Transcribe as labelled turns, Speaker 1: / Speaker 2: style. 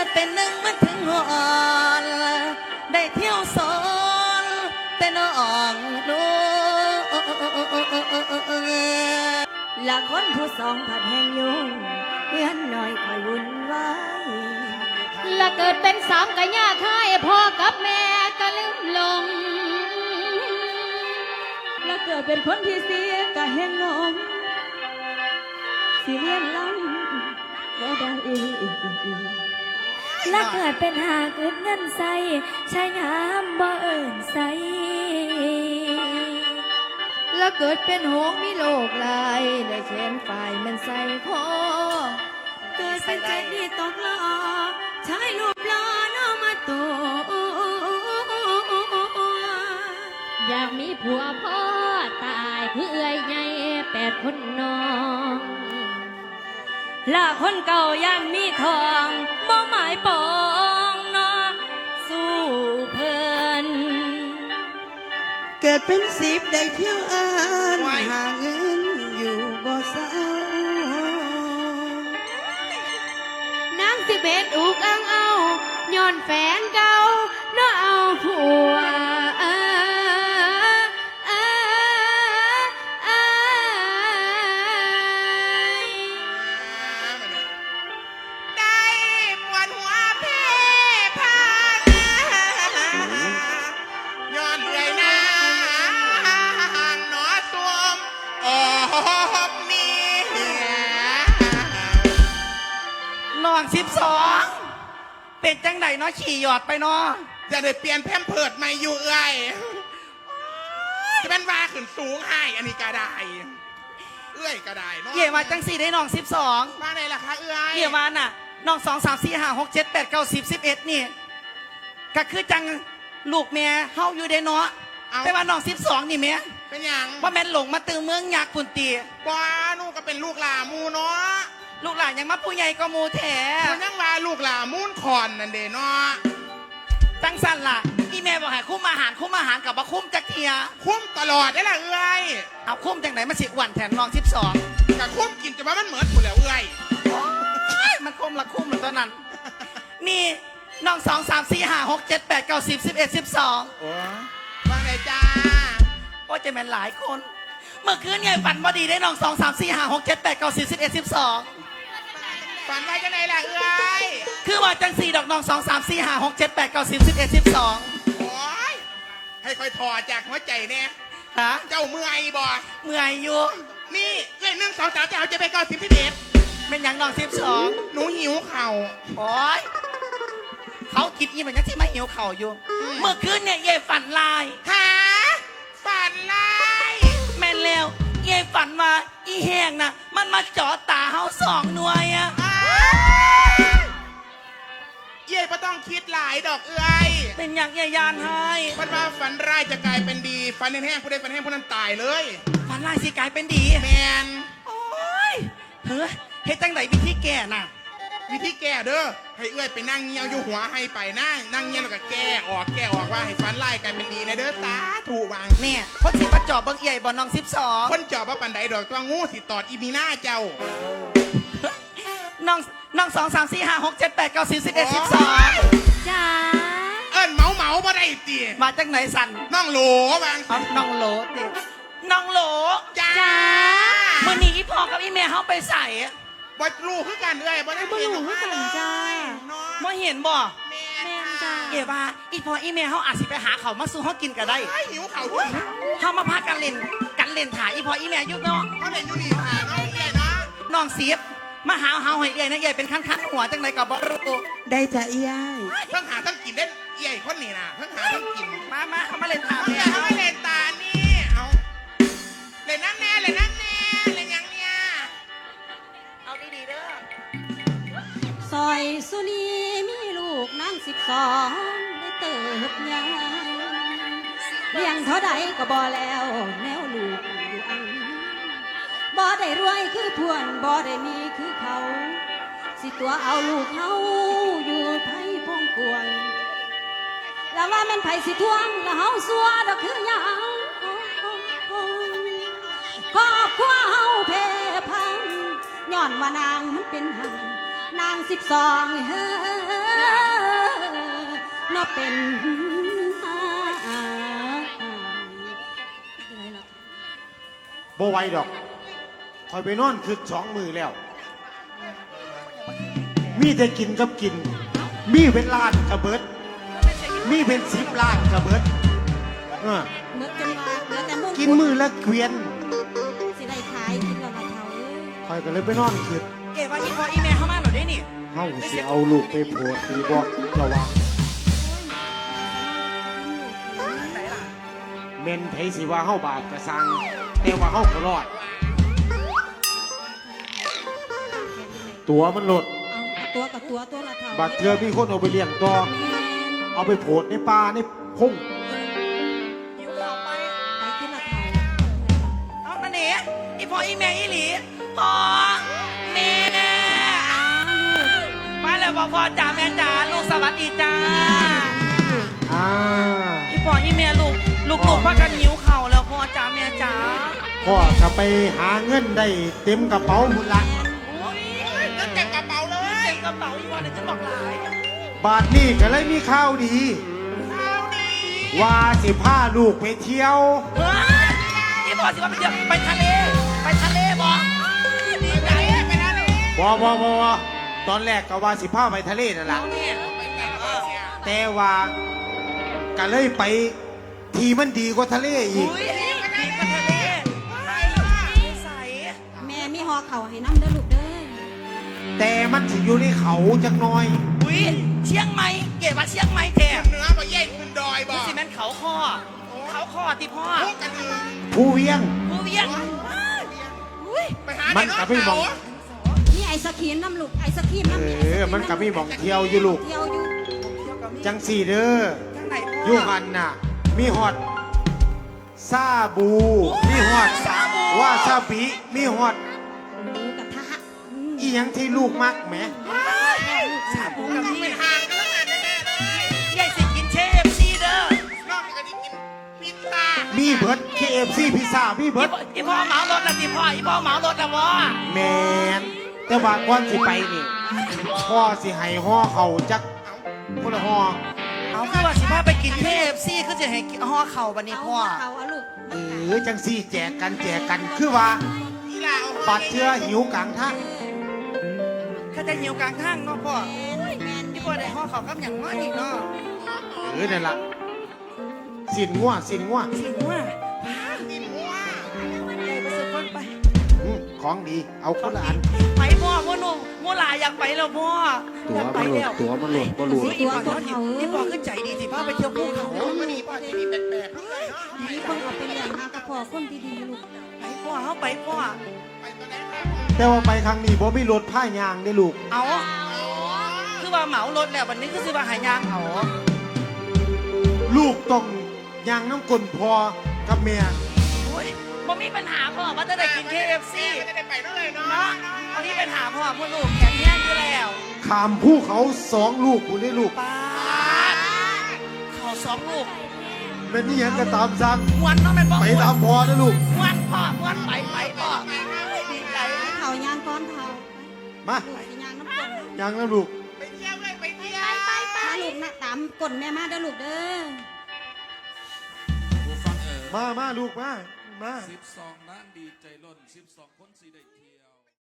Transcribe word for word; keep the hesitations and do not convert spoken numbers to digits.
Speaker 1: เป็นหนึ่งมันถึงหอนได้เที่ยวสอนแต่น้องดู
Speaker 2: ละคนผู้สองผัดแห่งยุ่งเพื่อนหน่อยคอยวุ่นวายละเกิดเป็นสามกะย่าค่ายพ่อกับแม่ก็ลืมลงละเกิดเป็นคนที่เสียกะแห่งงงสิเลียนล้ำบ่ได้ละเกิดเป็นหาเกิดเงินใส่ใช้งามบ่เอิ่นใส่แล้วเกิดเป็นหงมีโลกลายได้แขนฝ่ายมันใส่คอเกิดเป็นใจดีตกล้อใช้รูปล้อน้องมาตัวอยากมีผัวพ่อตายคือเอื้อยใหญ่แปดคนน้องละคนเก่าย่านมีทองบ่หมายปองน้องสู้เพิ่น
Speaker 3: เกิดเป็นสิบได้เที่ยวอ่านหาเงินอยู่บ่เศร้าน
Speaker 2: างสิเบ็ดอุกอังเอาย้อนแฟนเก่าเนาะเอาผัว
Speaker 1: น้องสิบสองเป็นจังไดเนาะขี่หยอดไปเนาะ
Speaker 4: จะได้เปลี่ยนแพมเพิร์ดใหม่อยู่เอ้ยจะเป็นว่าขึ้นสูงให้อันนี้กระไดเอ้ยกระไดเนาะ
Speaker 1: เกี่ยมาจังสี่ได้น้องสิบสอง
Speaker 4: มาไหนล่ะคะเอ้ย
Speaker 1: เกี่ยมาน่ะน้องสองสามสี่ห้าหกเจ็ดแปดเก้าสิบสิบเอ็ดนี่ก็คือจังลูกแม่เฮาอยู่ได้เนาะแต่ว่าน้องสิบสองนี่แม่
Speaker 4: เป็นยัง
Speaker 1: ว่าแม่นหลงมาตื่นเมืองยักษ์ปุ่นตี
Speaker 4: บ้านูก็เป็นลูกหลามูเนาะ
Speaker 1: ลูกหลานยังมาผู้ใหญ่ก็มูแถ
Speaker 4: มันยังว่าลูกหลามูนคอนนั่นเด้เนาะ
Speaker 1: จังสันล่ะอีแม่บอกให้คุ้มอาหารคุ้มอาหารกับว่าคุ้มจักเทีย
Speaker 4: คุ้มตลอดได้ล่ะเอ้ย
Speaker 1: เอาคุ้มจังไหนมาสิอ้วนแทนน้องสิบสอง
Speaker 4: กับคุ้มกินจะว่ามันเหมือนกูแล้วเอ้ย
Speaker 1: มันคุ้มละคุ้มหรือตอนนั้นนี่น้องสองสามสี่ห้าหกเจ็ดแปดเก้าสิบสิบเอ็ดสิบสอง
Speaker 4: โอ้ว่าไงจ้า
Speaker 1: โอ้จะเป็นหลายคนเมื่อคืนไงฝันบ่ดีได้น้องสองสามสี่ห้าหกเจ็ดแปดเก้าสิบสิบเอ็ดสิบสอง
Speaker 4: ฝันว่าจะไหนล่ะเอ้ย
Speaker 1: คือว่าจังสี่ดอกน้องสองสามสี่ห้าหกเจ็ดแปดเก้าสิบสิบเอ็ดสิบสอง
Speaker 4: โอ้ยให้คอยถอดจากหัวใจเนี่ย
Speaker 1: ฮะ
Speaker 4: เจ้าเมื่อยบ่
Speaker 1: เมื่อยอยู่
Speaker 4: นี่เอ้ยหนึ่งสองสามจะเอาจะไปเก้าสิบสิบเอ็ด
Speaker 1: เป็นอย่างน้องสิบสอง
Speaker 4: หนูหิวเข่า
Speaker 1: โอ้ยเขาคิดอีมันยังที่มาหิวเข่าอยู่เมื่อคืนเนี่ยเย่ฝันลาย
Speaker 4: หาฝันลาย
Speaker 1: แม่นแล้วเย่ฝันว่าอีแห้งน่ะมันมาจ่อตาเฮาสองหน่วยอะ
Speaker 4: เย่ไม่ต้องคิดหลายดอกเอ้ย
Speaker 1: เป็นอย่างเย่ยานให้
Speaker 4: มันว่าฝันร้ายจะกลายเป็นดีฝันแห้งผู้ใดฝันแห้งผู้นั้นตายเลย
Speaker 1: ฝันร้ายสิกลายเป็นดี
Speaker 4: แมน
Speaker 1: โอ้ยเฮ้ยเฮ็ดจังไหนวิธีแก่น่ะ
Speaker 4: วิธีแก้เด้อให้เอื้อยไปนั่งเงียวอยู่หัวให้ไปนั่งนั่งเงียวแล้วก็แก้ออกแก้ออกว่าให้ฟันไล่กันเป็นดีนะเด้อตาถูกวาง
Speaker 1: เนี่ยคนสิมาจอบเบิ้งเอี่ยบอน้องสิบสอง
Speaker 4: คนจอบว่าปันไดดอกตัวงูสิตอดอีมีหน้าเจ้า
Speaker 1: น้องน้องสองสามสี่ห้าหกเจ็ดแปดเก้าสิบสิบเอ็ดสิบสอง
Speaker 2: จ้า
Speaker 4: เอิ้นเมาเมาบ่ได้ตี
Speaker 1: มาจากไหนสัน
Speaker 4: น้องโหลวาง
Speaker 1: น้องโหลตีน้องโหล
Speaker 4: จ้า
Speaker 1: เมื่อนี้อีพ่อกับอีแม่เขาไปใส่
Speaker 4: บ่รู้คือกันเอ้ยบ่ได้
Speaker 2: เห็นคือกันจ้า
Speaker 1: บ่เห็นบ่
Speaker 4: แม่
Speaker 1: จ้าเอ๋ว่าอีพออีเมลเขาอาจสิไปหาเขามาสู้เขากินก็ได้
Speaker 4: หิวเขาด้วย
Speaker 1: เขามาพากันเล่นกันเล่นถ่ายอีพออีเมลยุบเนาะ
Speaker 4: เขาเล่นอยู่นี่ถ่ายน้องเอ๋ยนะ
Speaker 1: น้องเสียบมาหาเฮาให้เอ๋ยนะเอ๋ยเป็นขั้นขั้นหัวจังไรกับบ่รู้
Speaker 3: ได้จะเอ๋ย
Speaker 4: เพิ่งหาต้องกินเล่นเอ๋ยคนนี้นะเพิ่งหาต้องกิน
Speaker 1: มามาเขามาเล่นถ่าย
Speaker 4: เขามาเล่นตานี่เอาเล่นนั่นแน่เล่นนั่นแน่เล่นยังเนี่ย
Speaker 1: เอาดีๆเด้อ
Speaker 2: ซอยสุนีมีลูกนางสิบสองได้เติบใหญ่เลี้ยงเท่าใดก็บ่แล้วแนวลูกอยู่อังบ่ได้รวยคือพวนบ่ได้มีคือเขาสิตัวเอาลูกเขาอยู่ไผ่พงกวงแล้วว่าแม่นไผ่สิทวงแล้วเฮาสัวดอกคือหยังครอบครัวเฮาเพพังย้อนว่านางมันเป็นหังนางสิบสองเฮ้อนอเป็นอะไรล่ะ
Speaker 5: บ่ไหวดอกคอยไปนอนคือสองมือแล้ว มีแต่กินกับกิน มีเป็นล้านกระเบิด มีเป็นสิบล้านกระเบิดเออ
Speaker 2: เมื่อจนว่าเหลือแต่มุ่ง
Speaker 5: กินมือละเกวียน
Speaker 2: สิได้ขายกินแล้วละเท่าเอ้ย
Speaker 5: คอยก็เลยไปนอนคือ
Speaker 1: เก๋ว่าอีพออีแม่เข้ามาหนูได้นี่
Speaker 5: เฮาสิเอาลูกไปโพดหรือบอกระวัง
Speaker 1: ไหนล่ะ
Speaker 5: เมนไผสิว่าเฮาบาปกระสังแต่ว่าเฮาก็รอด ตัวมันหลด
Speaker 2: เอาตัวกับตัวตัวละเท่า
Speaker 5: บาดเทือมีคนเอาไปเลี้ยงต่อ
Speaker 2: แม่น
Speaker 5: เอาไปโพดในป่าในพง
Speaker 1: หิวข้าวไป
Speaker 2: ไปที่ละเท่า
Speaker 1: เอาอันนี้อีพออีแม่อีหลีพ่อแม่มาแล้วพ่อพ่อจ๋าแม่จ๋าลูกสวัสดีจ้า
Speaker 5: อ่า
Speaker 1: อีพออีแม่ลูกลูกลูกพักกันหิวเข่าวแล้วพ่อจ๋าแม่จ๋า
Speaker 5: พ่อจะไปหาเงินได้เต็มกระเป๋าหมดละ
Speaker 1: โอ้ย
Speaker 4: เงินเต็มกระเป๋าเลย
Speaker 1: เต็มกระเป๋าอีพอเดี๋ยวจะบอกหลาย
Speaker 5: บาทนี้ก็เลยมีข่าวดี
Speaker 4: ข้าวดี
Speaker 5: ว่าสิพาลูกไปเที่ยว
Speaker 1: เฮ้ยอีพอสิว่าไปเที่ยวไปทะเลไปทะเลบ่ดีใจ
Speaker 4: ไปทะเล
Speaker 5: บอบอบอตอนแรกก็ว่าสิพาไปทะเลนั่นแหละ
Speaker 1: เอาเนี่ย
Speaker 4: ไปกันเออ
Speaker 5: แต่ว่าก็เลยไปทีมันดีกว่าทะเลอีก
Speaker 1: อุ้ยดีไปทะเลไปใส
Speaker 2: แม่มีหอเข่าให้น้ำเด้อลูกเด้อ
Speaker 5: แต่มันสิอยู่ในเขาจักหน่อย
Speaker 1: อุ้ยเชียงใหม่เก๋ว่าเชียงใหม่แท้
Speaker 4: เหนือบ่เย็นขึ้นดอยบ่
Speaker 1: นี่สิแม่นเขาคอเขาคอติพ่อ
Speaker 4: พวกกันอื่น
Speaker 5: ผู้เวียง
Speaker 1: ผู้เวียงอุ้ย
Speaker 4: ไปหา
Speaker 5: มันก็ไม่มอง
Speaker 2: นี่ไอศครีมน้ำลูกไอศครีม
Speaker 5: เอ
Speaker 2: น้ำ
Speaker 5: อ มันก็มีหมองเที่ยวอยู่ลูก
Speaker 2: เที่ยวอยู่
Speaker 5: จังสี่เด้อ
Speaker 1: ทางไหนพ่อ
Speaker 5: อยู่หันน่ะ มีฮอดซาบู มีฮอด
Speaker 1: ซาบู
Speaker 5: วาซาบิมีฮอด
Speaker 2: หมูกระทะอืม
Speaker 5: อีหยังที่ลูกมักแหม
Speaker 1: สาบูกับ
Speaker 4: ต้อง
Speaker 1: นี่
Speaker 4: เป็นทางกันแล้วแน่ๆเลย
Speaker 1: ใหญ่สิกินเชฟซีเด้อน
Speaker 4: อกจากนี้กินพิซซ่า
Speaker 5: มีเบิร์ด เค เอฟ ซี พิซซ่า มีเบิร์ด
Speaker 1: อีพ่อเหมารถละสิพ่ออีพ่อเหมารถละวะ
Speaker 5: แมนแต่ว่าก่อนสิไปนี่ พ่อสิให้ห่อเขาจักคนละห่อ
Speaker 1: เอาคือว่าสิพ่อไปกินเคฟซีคือจะให้ห่อเข่าบันนี้
Speaker 2: เอา
Speaker 1: พ่อ
Speaker 2: เขาเอาลูก
Speaker 5: เออจังสี่แจกกันแจกกันคือว่า
Speaker 4: อีลาเอา
Speaker 5: บัดเชื่อหิวกลางทาง
Speaker 1: ข้าจะหิวกลางทางเนาะพ่อ
Speaker 2: แมนแมน
Speaker 1: พี่พ่อได้ห่อเข่ากับอย่างน้อยอีกเนาะ
Speaker 5: เออนั่นล่ะสินงัวสินงัว
Speaker 1: สิว่า
Speaker 4: กินหัว
Speaker 1: ไปซื้อคนไป
Speaker 5: อืมของดีเอาคนละอัน
Speaker 1: ไปพ่อพ่อหนุ่มโมลาอยากไปแล้วพ่อ
Speaker 5: ตั๋ว
Speaker 1: อยากไปแล้ว
Speaker 5: ตั๋วมันโหลดบ่โหลด
Speaker 1: อุ๊ยอีพ่อเขาอีพ่อขึ้นใจดีสิพ่อไปเที่ยวภูเขา
Speaker 4: มันนี่พ่อจะมีแปลกๆด้วยเนาะ
Speaker 2: มีคนเอาไปเลี้ยงหากระเพาะคนดีๆลูก
Speaker 1: ไปพ่อเขาไปพ่อ
Speaker 4: ไปตอนไหนครับ
Speaker 5: แต่ว่าไปครั้งนี้บ่มีรถผ้ายางได้อลูก
Speaker 1: เอาคือว่าเหมารถแล้ววันนี้คือสิว่าหายางเอา
Speaker 5: ลูกต้องยางน้ำกลนพอกับเมีย
Speaker 1: โอ้ยบ่มีปัญหาพ่อว่าจะได้กิน เค เอฟ ซี
Speaker 4: จะได้ไปด้วยเลยเนาะ
Speaker 1: เนาะวันนี้ปัญหาพ่อพ่อลูกแข็งแรงอยู่แล้ว
Speaker 5: ขามผู้เขาสองลูกคุณได้ลูก
Speaker 1: ป้าดเขาสองลูก
Speaker 5: เป็นนี่ยังก็ตามสั่ง
Speaker 1: มวนเนาะแม่นบ่
Speaker 5: ไปตามพอนะลูก
Speaker 1: มวนพ่อมวนไปไปพ่อดีใจ
Speaker 2: เข่ายางก้อนเข่า
Speaker 5: มา
Speaker 2: ลูกสิยางน้ำกลน
Speaker 5: ยางน้ำลูก
Speaker 4: ไปเที่ยวเลยไปเที่ยว
Speaker 2: มาลูกนะตามกลนแม่มาเด้อลูกเด้อ
Speaker 6: ผู้ฟังเอ๋อ
Speaker 5: มามาลูกมา มา
Speaker 6: สิบสองนางดีใจล้นสิบสองคนสีได้ที